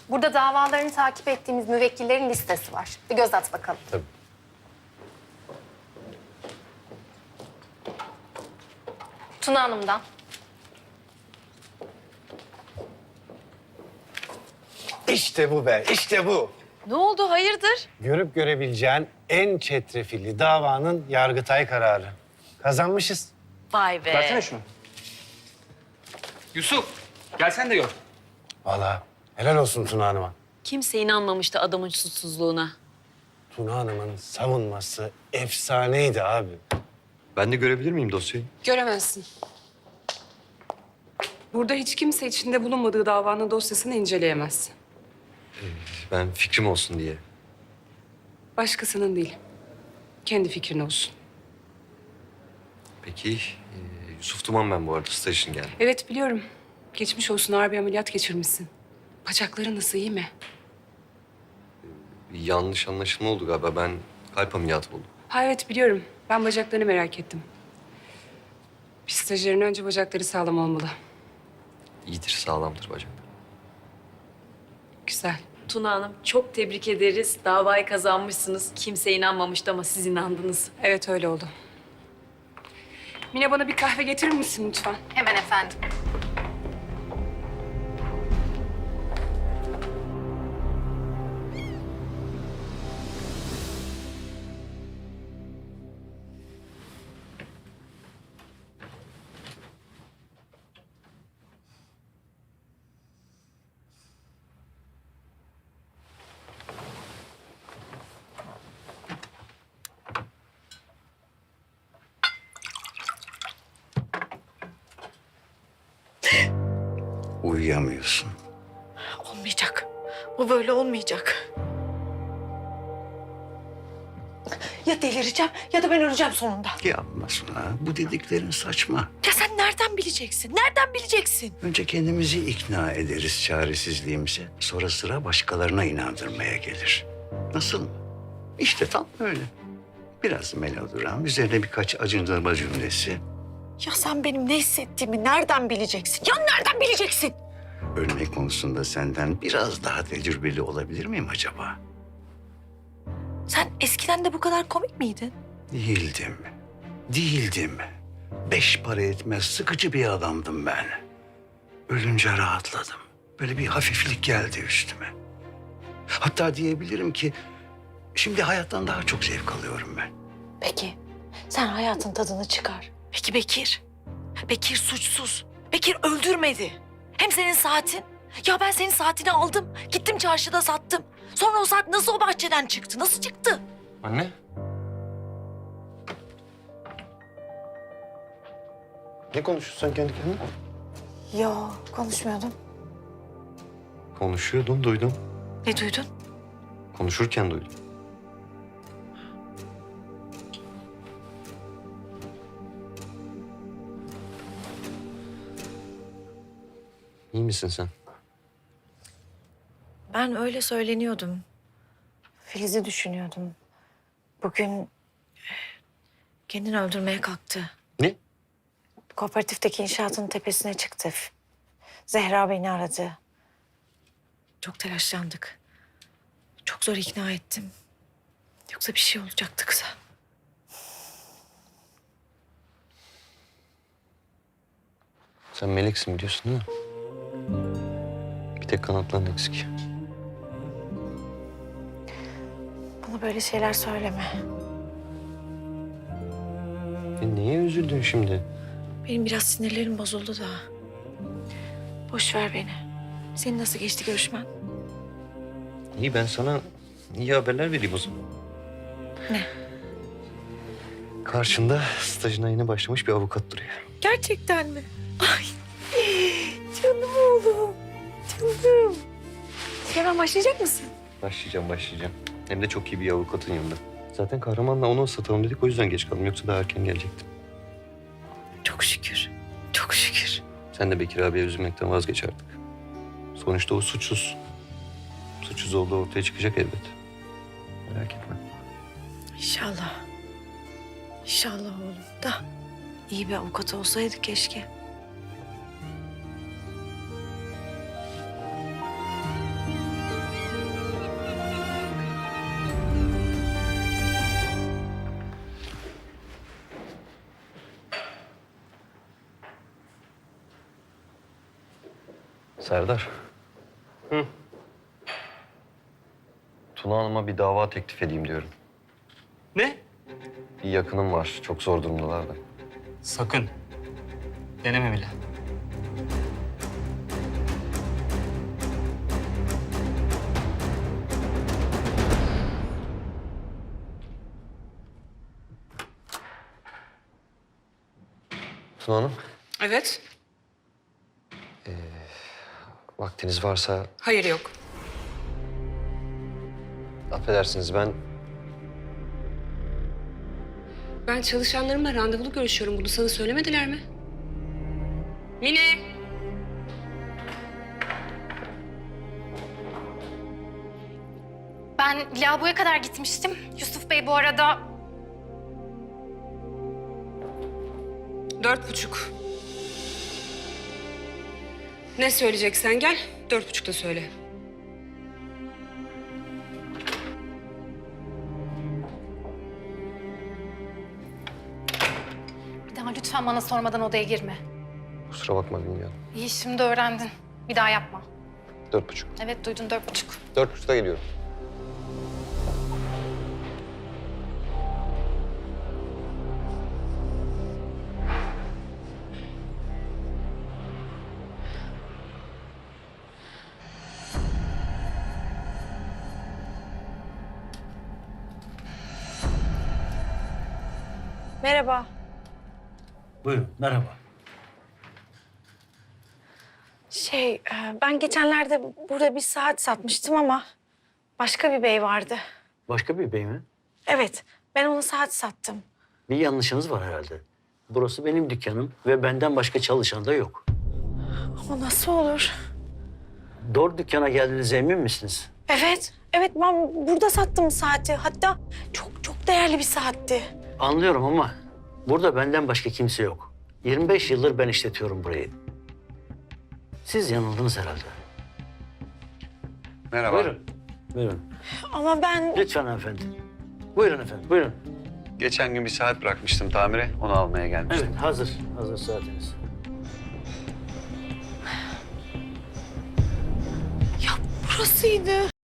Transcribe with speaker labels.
Speaker 1: Burada davalarını takip ettiğimiz müvekkillerin listesi var. Bir göz at bakalım.
Speaker 2: Tabii.
Speaker 1: Tuna Hanım'dan.
Speaker 2: İşte bu be, işte bu.
Speaker 3: Ne oldu, hayırdır?
Speaker 2: Görüp görebileceğin en çetrefilli davanın Yargıtay kararı. Kazanmışız.
Speaker 3: Vay be.
Speaker 4: Versene şunu. Yusuf, gel sen de gör.
Speaker 2: Vallahi helal olsun Tuna Hanım'a.
Speaker 3: Kimse inanmamıştı adamın suçsuzluğuna.
Speaker 2: Tuna Hanım'ın savunması efsaneydi abi.
Speaker 5: Ben de görebilir miyim dosyayı?
Speaker 6: Göremezsin. Burada hiç kimse içinde bulunmadığı davanın dosyasını inceleyemez.
Speaker 5: Ben fikrim olsun diye.
Speaker 6: Başkasının değil. Kendi fikrin olsun.
Speaker 5: Peki, Yusuf Duman ben bu arada staj için geldim.
Speaker 6: Evet biliyorum. Geçmiş olsun, ağır bir ameliyat geçirmişsin. Bacakların nasıl, iyi mi?
Speaker 5: Bir yanlış anlaşılma oldu galiba. Ben kalp ameliyatı oldum.
Speaker 6: Ha evet biliyorum. Ben bacaklarını merak ettim. Bir stajyerin önce bacakları sağlam olmalı.
Speaker 5: İyidir, sağlamdır bacak.
Speaker 6: Güzel.
Speaker 3: Tuna Hanım çok tebrik ederiz. Davayı kazanmışsınız. Kimse inanmamıştı ama siz inandınız.
Speaker 6: Evet öyle oldu. Mine bana bir kahve getirir misin lütfen?
Speaker 1: Hemen efendim.
Speaker 7: Uyuyamıyorsun.
Speaker 8: Olmayacak. Bu böyle olmayacak. Ya delireceğim ya da ben öleceğim sonunda.
Speaker 7: Yapma Suna. Bu dediklerin saçma.
Speaker 8: Ya sen nereden bileceksin? Nereden bileceksin?
Speaker 7: Önce kendimizi ikna ederiz çaresizliğimize. Sonra sıra başkalarına inandırmaya gelir. Nasıl mı? İşte tam öyle. Biraz melodram, üzerine birkaç acındırma cümlesi.
Speaker 8: Ya sen benim ne hissettiğimi nereden bileceksin? Ya nereden bileceksin?
Speaker 7: Ölme konusunda senden biraz daha tecrübeli olabilir miyim acaba?
Speaker 8: Sen eskiden de bu kadar komik miydin?
Speaker 7: Değildim. Değildim. 5 para etmez sıkıcı bir adamdım ben. Ölünce rahatladım. Böyle bir hafiflik geldi üstüme. Hatta diyebilirim ki şimdi hayattan daha çok zevk alıyorum ben.
Speaker 8: Peki sen hayatın tadını çıkar. Peki Bekir? Bekir suçsuz. Bekir öldürmedi. Hem senin saatin. Ya ben senin saatini aldım. Gittim çarşıda sattım. Sonra o saat nasıl o bahçeden çıktı? Nasıl çıktı?
Speaker 5: Anne? Ne konuşuyorsun sen kendi kendine?
Speaker 8: Yo konuşmuyordum.
Speaker 5: Konuşuyordun, duydum.
Speaker 8: Ne duydun?
Speaker 5: Konuşurken duydum. İyi misin sen?
Speaker 8: Ben öyle söyleniyordum. Filiz'i düşünüyordum. Bugün kendini öldürmeye kalktı.
Speaker 5: Ne?
Speaker 8: Kooperatifteki inşaatın tepesine çıktı. Zehra beni aradı. Çok telaşlandık. Çok zor ikna ettim. Yoksa bir şey olacaktı kıza.
Speaker 5: Sen meleksin biliyorsun değil mi? Bir tek kanatların eksik.
Speaker 8: Bana böyle şeyler söyleme.
Speaker 5: Neye üzüldün şimdi?
Speaker 8: Benim biraz sinirlerim bozuldu da. Boş ver beni. Senin nasıl geçti görüşmen?
Speaker 5: İyi, ben sana iyi haberler vereyim o zaman.
Speaker 8: Ne?
Speaker 5: Karşında stajına yeni başlamış bir avukat duruyor.
Speaker 8: Gerçekten mi? Ay canım oğlum. Canım. Hemen başlayacak mısın?
Speaker 5: Başlayacağım. Hem de çok iyi bir avukatın yanında. Zaten Kahraman'la onu ıslatalım dedik, o yüzden geç kaldım. Yoksa daha erken gelecektim.
Speaker 8: Çok şükür. Çok şükür.
Speaker 5: Sen de Bekir abiye üzülmekten vazgeç artık. Sonuçta o suçsuz. Suçsuz olduğu ortaya çıkacak elbet. Merak etme.
Speaker 8: İnşallah. İnşallah oğlum da iyi bir avukat olsaydı keşke.
Speaker 5: Serdar. Tuna Hanım'a bir dava teklif edeyim diyorum.
Speaker 4: Ne?
Speaker 5: Bir yakınım var. Çok zor durumdalar da.
Speaker 4: Sakın. Deneme bile.
Speaker 5: Tuna Hanım,
Speaker 6: Evet.
Speaker 5: vaktiniz varsa
Speaker 6: Hayır yok.
Speaker 5: affedersiniz
Speaker 6: Ben çalışanlarımla randevulu görüşüyorum. Bunu sana söylemediler mi? Mine!
Speaker 1: Ben lavaboya kadar gitmiştim. Yusuf Bey bu arada
Speaker 6: 4:30. Ne söyleyeceksen gel. 4:30'da söyle.
Speaker 1: bir daha lütfen bana sormadan odaya girme.
Speaker 5: kusura bakma bilmiyorum.
Speaker 1: İyi şimdi öğrendin. Bir daha yapma.
Speaker 5: 4.30.
Speaker 1: Evet duydun 4:30.
Speaker 5: 4.30'da geliyorum.
Speaker 8: Merhaba.
Speaker 7: Buyurun, merhaba.
Speaker 8: Ben geçenlerde burada bir saat satmıştım ama başka bir bey vardı.
Speaker 9: Başka bir bey mi?
Speaker 8: Evet, ben ona saat sattım.
Speaker 9: Bir yanlışınız var herhalde. Burası benim dükkanım ve benden başka çalışan da yok.
Speaker 8: Ama nasıl olur?
Speaker 9: Doğru dükkana geldiğinize emin misiniz?
Speaker 8: Evet, evet ben burada sattım saati. Hatta çok değerli bir saatti.
Speaker 9: Anlıyorum ama burada benden başka kimse yok. 25 yıldır ben işletiyorum burayı. Siz yanıldınız herhalde.
Speaker 5: Merhaba.
Speaker 9: Buyurun. Buyurun.
Speaker 8: Ama ben...
Speaker 9: Lütfen hanımefendi. Buyurun efendim, buyurun.
Speaker 5: Geçen gün bir saat bırakmıştım tamire. Onu almaya gelmiştim.
Speaker 9: Evet, hazır. Hazır saatiniz.
Speaker 8: Ya burasıydı.